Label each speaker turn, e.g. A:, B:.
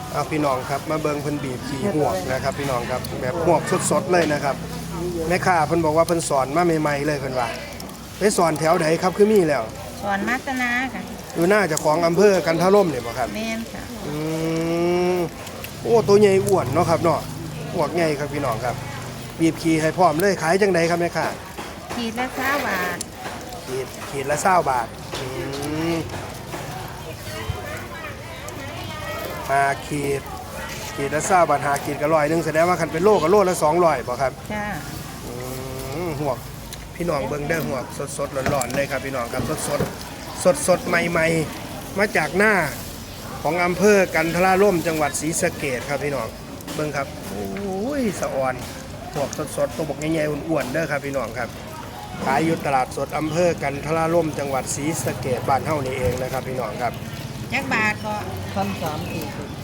A: เอาพี่น้องครับมาเบิ่งเพิ่นบีบขี่หวกนะครับพี่น้องครับแบบหวกสดๆเลยนะครับแม่ค้าเพิ่นบอกว่าเพิ่นสอนมาใหม่ๆเลยเพิ่นว่าไปสอนแถวไหนครับคือมีแล้ว
B: สอนมัตนาค่ะ
A: อยู่หน้าเจ้าของอำเภอกันทะล่มนี่บ่ครับ
B: แม่นค่ะ
A: อืมโอ้ตัวใหญ่อ้วนเนาะครับเนาะหวกใหญ่ครับพี่น้องครับบีบขี่ให้พร้อมเลยขายจังไดครับแม่ค้า
B: ขีดละ20 บาท
A: ขีดละ20 บาท5ขีดละ20 บาท5ขีดก็100แสดงว่าคันเป็นโลก็โลละ200บ่ครับ
B: จ้า
A: หวกพี่น้องเบิ่งได้หวกสดๆร้อนๆเลยครับพี่น้องครับสดใหม่ๆมาจากหน้าของอำเภอกันทราล่มจังหวัดศรีสะเกษครับพี่น้องเบิ่งครับโอ้ยสะอ่อนหวกสดๆตัวบกใหญ่ๆอ้วนๆเด้อครับพี่น้องครับขายอยู่ตลาดสดอำเภอกันทราล่มจังหวัดศรีสะเกษบ้านเฮานี่เองนะครับพี่น้องครับ
B: จักบาทก็
C: 1,340